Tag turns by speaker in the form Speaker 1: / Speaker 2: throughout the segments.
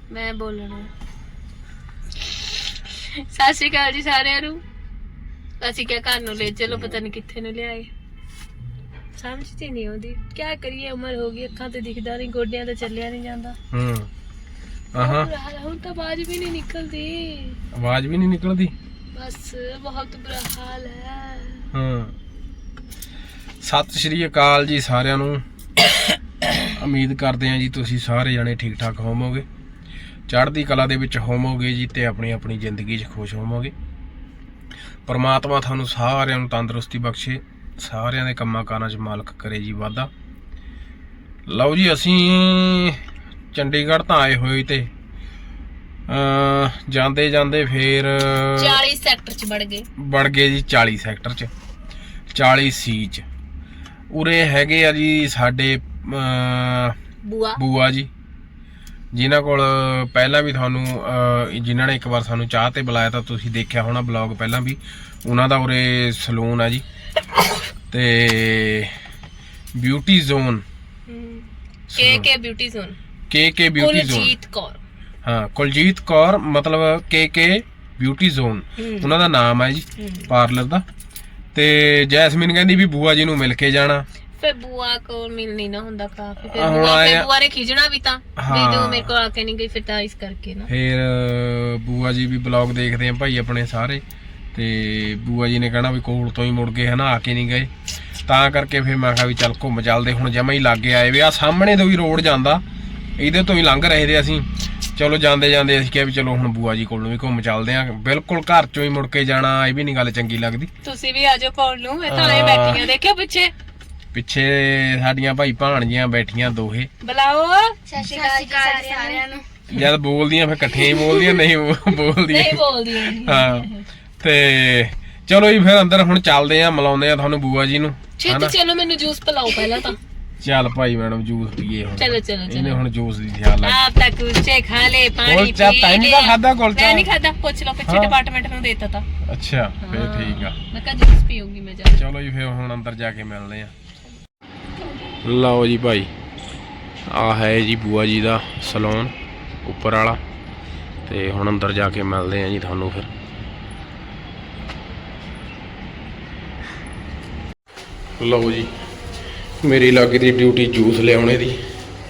Speaker 1: मैं बोलना सत श्री अकाल जी सारिਆਂ ਨੂੰ ਅਸੀਂ ਕਿਆ ਘਰ ਨੂੰ ਲੈ ਚਲੋ ਪਤਾ ਨਹੀਂ ਕਿੱਥੇ ਨੂੰ ਲਿਆਏ ਸਮਝ ਤੇ ਨਹੀਂ ਆਉਂਦੀ ਕੀ ਕਰੀਏ ਉਮਰ ਹੋ ਗਈ ਅੱਖਾਂ ਤੇ ਦਿਖਦਾ ਨਹੀਂ ਗੋਡਿਆਂ ਤੇ ਚੱਲਿਆ ਨਹੀਂ ਜਾਂਦਾ
Speaker 2: ਆਹਾਂ
Speaker 1: ਹੁਣ ਤਾਂ ਆਵਾਜ਼ ਵੀ ਨਹੀਂ ਨਿਕਲਦੀ
Speaker 2: ਆਵਾਜ਼ ਵੀ ਨਹੀਂ ਨਿਕਲਦੀ
Speaker 1: बस बहुत बुरा हाल है
Speaker 2: ਹਾਂ ਸਤਿ ਸ਼੍ਰੀ ਅਕਾਲ ਜੀ ਸਾਰਿਆਂ ਨੂੰ ਉਮੀਦ ਕਰਦੇ ਹਾਂ ਜੀ ਤੁਸੀਂ ਸਾਰੇ ਜਣੇ ਠੀਕ ਠਾਕ ਹੋਵੋਗੇ ਚੜ੍ਹਦੀ ਕਲਾ ਦੇ ਵਿੱਚ ਹੋਵੋਗੇ ਜੀ ਤੇ ਆਪਣੀ ਆਪਣੀ ਜ਼ਿੰਦਗੀ 'ਚ ਖੁਸ਼ ਹੋਵੋਗੇ ਪਰਮਾਤਮਾ ਤੁਹਾਨੂੰ ਸਾਰਿਆਂ ਨੂੰ ਤੰਦਰੁਸਤੀ ਬਖਸ਼ੇ ਸਾਰਿਆਂ ਦੇ ਕੰਮਾਂ ਕਾਰਾਂ 'ਚ ਮਾਲਕ ਕਰੇ ਜੀ ਵਾਧਾ ਲਓ ਜੀ ਅਸੀਂ ਚੰਡੀਗੜ੍ਹ ਤਾਂ ਆਏ ਹੋਏ ਤੇ ਜਾਂਦੇ ਜਾਂਦੇ ਫੇਰ
Speaker 1: 40 ਸੈਕਟਰ 'ਚ ਵੜ ਗਏ
Speaker 2: ਜੀ 40 ਸੈਕਟਰ 'ਚ 40 ਸੀ 'ਚ ਉਰੇ ਹੈਗੇ ਆ ਜੀ ਸਾਡੇ ਬੂਆ ਜੀ ਜਿਨ੍ਹਾਂ ਕੋਲ ਪਹਿਲਾਂ ਵੀ ਤੁਹਾਨੂੰ ਜਿਨ੍ਹਾਂ ਨੇ ਇੱਕ ਵਾਰ ਸਾਨੂੰ ਚਾਹ ਤੇ ਬੁਲਾਇਆ ਤਾਂ ਤੁਸੀਂ ਦੇਖਿਆ ਹੋਣਾ ਬਲੌਗ ਪਹਿਲਾਂ ਵੀ ਉਹਨਾਂ ਦਾ ਉਰੇ ਸਲੂਨ ਆ ਜੀ ਤੇ ਬਿਊਟੀ ਜ਼ੋਨ
Speaker 1: ਕੇ beauty zone
Speaker 2: beauty zone
Speaker 1: Kuljeet Kaur
Speaker 2: ਹਾਂ ਕੁਲਜੀਤ ਕੌਰ ਮਤਲਬ ਕੇ ਬਿਊਟੀ ਜ਼ੋਨ ਉਹਨਾਂ ਦਾ ਨਾਮ ਹੈ ਜੀ ਪਾਰਲਰ ਦਾ ਤੇ ਜੈਸਮੀਨ ਕਹਿੰਦੀ ਵੀ ਬੂਆ ਜੀ ਨੂੰ ਮਿਲ ਕੇ ਜਾਣਾ
Speaker 1: ਫਿਰ ਬੂਆ ਕੋਲ ਮਿਲਣੀ ਨਾ ਹੁੰਦਾ ਕਾਫੀ ਫਿਰ ਬੂਆ ਨੇ ਖਿਜਣਾ ਵੀ ਤਾਂ ਵੀ ਜੋ ਮੇਰੇ ਕੋਲ ਆ ਕੇ ਨਹੀਂ ਗਈ ਫਿਰ ਤਾਂ ਇਸ ਕਰਕੇ ਨਾ
Speaker 2: ਫਿਰ ਬੂਆ ਜੀ ਵੀ ਬਲੌਗ ਦੇਖਦੇ ਆ ਭਾਈ ਆਪਣੇ ਸਾਰੇ ਤੇ ਬੂਆ ਜੀ ਨੇ ਕਹਿਣਾ ਵੀ ਕੋਲ ਤੋਂ ਹੀ ਮੁੜ ਗਏ ਹਨਾ ਆ ਕੇ ਨਹੀਂ ਗਏ ਤਾਂ ਕਰਕੇ ਫਿਰ ਮੈਂ ਕਿਹਾ ਵੀ ਚੱਲ ਘੁੰਮ ਚੱਲਦੇ ਹੁਣ ਜਮਾਂ ਹੀ ਲਾਗੇ ਆਏ ਵੀ ਆ ਸਾਹਮਣੇ ਤੋਂ ਵੀ ਰੋਡ ਜਾਂਦਾ ਇਹਦੇ ਤੋਂ ਹੀ ਲੰਘ ਰਹੇ ਤੇ ਅਸੀਂ ਚਲੋ ਜਾਂਦੇ ਜਾਂਦੇ ਅਸੀਂ ਕਿਹਾ ਵੀ ਚਲੋ ਹੁਣ ਬੂਆ ਜੀ ਕੋਲ ਨੂੰ ਵੀ ਘੁੰਮ ਚੱਲਦੇ ਆ ਬਿਲਕੁਲ ਘਰ ਚੋਂ ਹੀ ਮੁੜ ਕੇ ਜਾਣਾ ਇਹ ਵੀ ਨਹੀਂ ਗੱਲ ਚੰਗੀ ਲੱਗਦੀ
Speaker 1: ਤੁਸੀਂ ਵੀ ਆਜੋ ਕੋਲ ਨੂੰ ਮੈਂ ਤਾਂ ਬੈਠੀਆਂ ਦੇਖਿਓ ਪਿੱਛੇ
Speaker 2: ਸਾਡੀਆਂ ਭਾਈ ਭਾਣਜੀਆਂ ਬੈਠੀਆਂ ਦੋਹੇ
Speaker 1: ਬੁਲਾਓ ਸਤਿ ਸ਼੍ਰੀ ਅਕਾਲ ਸਾਰਿਆਂ ਨੂੰ
Speaker 2: ਜਦ ਬੋਲਦੀਆਂ ਫਿਰ ਇਕੱਠੀਆਂ ਹੀ ਬੋਲਦੀਆਂ ਨਹੀਂ ਬੋਲਦੀਆਂ ਹਾਂ ਤੇ ਚਲੋ ਜੀ ਫਿਰ ਅੰਦਰ ਹੁਣ ਚੱਲਦੇ ਆ ਮਿਲਾਉਂਦੇ ਆ ਤੁਹਾਨੂੰ ਬੂਆ ਜੀ ਨੂੰ
Speaker 1: ਛੇਤੀ ਚਲੋ ਮੈਨੂੰ ਜੂਸ ਪਿਲਾਓ ਪਹਿਲਾਂ ਤਾਂ
Speaker 2: ਚੱਲ ਭਾਈ ਮੈਡਮ ਜੂਸ ਪੀਏ ਹੁਣ
Speaker 1: ਚਲੋ
Speaker 2: ਇਹਨੇ ਹੁਣ ਜੂਸ ਦੀ ਖਿਆਲ ਲੱਗ
Speaker 1: ਆਪ ਤੱਕ ਕੁਲਚੇ ਖਾ ਲੇ ਪਾਣੀ
Speaker 2: ਕੁਲਚਾ ਤਾਂ ਨਹੀਂ ਖਾਦਾ ਕੁਲਚਾ
Speaker 1: ਮੈਂ ਨਹੀਂ ਖਾਦਾ ਪੁੱਛ ਲਓ ਪਿੱਛੇ ਡਿਪਾਰਟਮੈਂਟ ਨੂੰ ਦੇਤਾ ਤਾਂ
Speaker 2: ਅੱਛਾ ਫਿਰ ਠੀਕ ਆ
Speaker 1: ਮੈਂ ਕਹਾਂ ਜੂਸ ਪੀਊਂਗੀ ਮੈਂ ਜਾ
Speaker 2: ਚਲੋ ਜੀ ਫਿਰ ਹੁਣ ਅੰਦਰ ਜਾ ਕੇ ਮਿਲਦੇ ਆ ਲਓ ਜੀ ਭਾਈ ਆ ਹੈ ਜੀ ਬੂਆ ਜੀ ਦਾ ਸਲੂਨ ਉੱਪਰ ਵਾਲਾ ਤੇ ਹੁਣ ਅੰਦਰ ਜਾ ਕੇ ਮਿਲਦੇ ਆ ਜੀ ਤੁਹਾਨੂੰ ਫਿਰ ਲਓ ਜੀ ਮੇਰੀ ਲੱਗੀ ਦੀ ਡਿਊਟੀ ਜੂਸ ਲਿਆਉਣੇ ਦੀ